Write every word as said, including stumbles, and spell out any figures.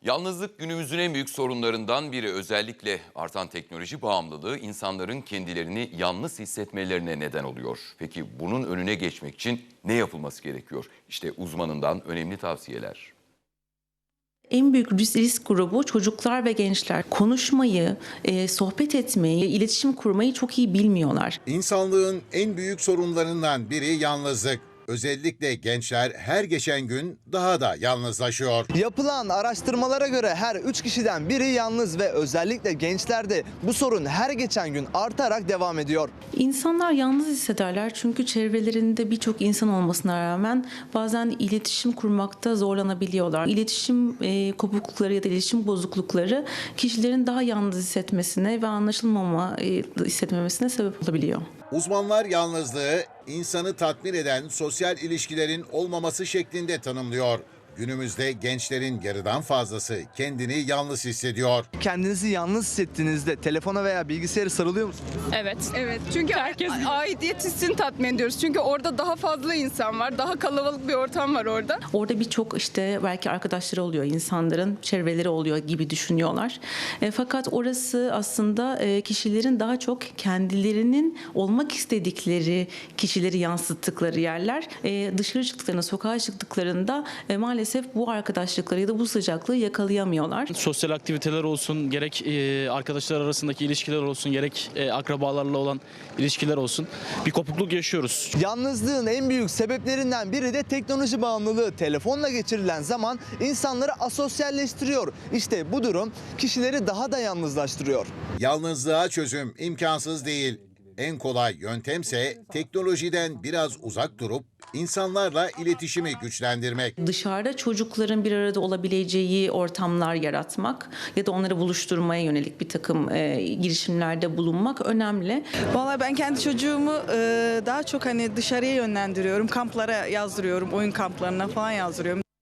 Yalnızlık günümüzün en büyük sorunlarından biri. Özellikle artan teknoloji bağımlılığı insanların kendilerini yalnız hissetmelerine neden oluyor. Peki bunun önüne geçmek için ne yapılması gerekiyor? İşte uzmanından önemli tavsiyeler. En büyük risk, risk grubu çocuklar ve gençler. Konuşmayı, e, sohbet etmeyi, iletişim kurmayı çok iyi bilmiyorlar. İnsanlığın en büyük sorunlarından biri yalnızlık. Özellikle gençler her geçen gün daha da yalnızlaşıyor. Yapılan araştırmalara göre her üç kişiden biri yalnız ve özellikle gençlerde bu sorun her geçen gün artarak devam ediyor. İnsanlar yalnız hissederler çünkü çevrelerinde birçok insan olmasına rağmen bazen iletişim kurmakta zorlanabiliyorlar. İletişim e, kopuklukları ya da iletişim bozuklukları kişilerin daha yalnız hissetmesine ve anlaşılmama e, hissetmemesine sebep olabiliyor. Uzmanlar yalnızlığı insanı tatmin eden sosyal ilişkilerin olmaması şeklinde tanımlıyor. Günümüzde gençlerin yarıdan fazlası kendini yalnız hissediyor. Kendinizi yalnız hissettiğinizde telefona veya bilgisayara sarılıyor musunuz? Evet. Evet. Çünkü herkes aidiyet hissini tatmin ediyoruz. Çünkü orada daha fazla insan var. Daha kalabalık bir ortam var orada. Orada birçok işte belki arkadaşları oluyor, insanların çevreleri oluyor gibi düşünüyorlar. E, fakat orası aslında e, kişilerin daha çok kendilerinin olmak istedikleri kişileri yansıttıkları yerler. E, dışarı çıktıklarında, sokağa çıktıklarında e, maalesef bu arkadaşlıkları ya da bu sıcaklığı yakalayamıyorlar. Sosyal aktiviteler olsun, gerek e, arkadaşlar arasındaki ilişkiler olsun, gerek e, akrabalarla olan ilişkiler olsun, bir kopukluk yaşıyoruz. Yalnızlığın en büyük sebeplerinden biri de teknoloji bağımlılığı. Telefonla geçirilen zaman insanları asosyalleştiriyor. İşte bu durum kişileri daha da yalnızlaştırıyor. Yalnızlığa çözüm imkansız değil. En kolay yöntemse teknolojiden biraz uzak durup insanlarla iletişimi güçlendirmek. Dışarıda çocukların bir arada olabileceği ortamlar yaratmak ya da onları buluşturmaya yönelik bir takım e, girişimlerde bulunmak önemli. Vallahi ben kendi çocuğumu e, daha çok hani dışarıya yönlendiriyorum. Kamplara yazdırıyorum, oyun kamplarına falan yazdırıyorum.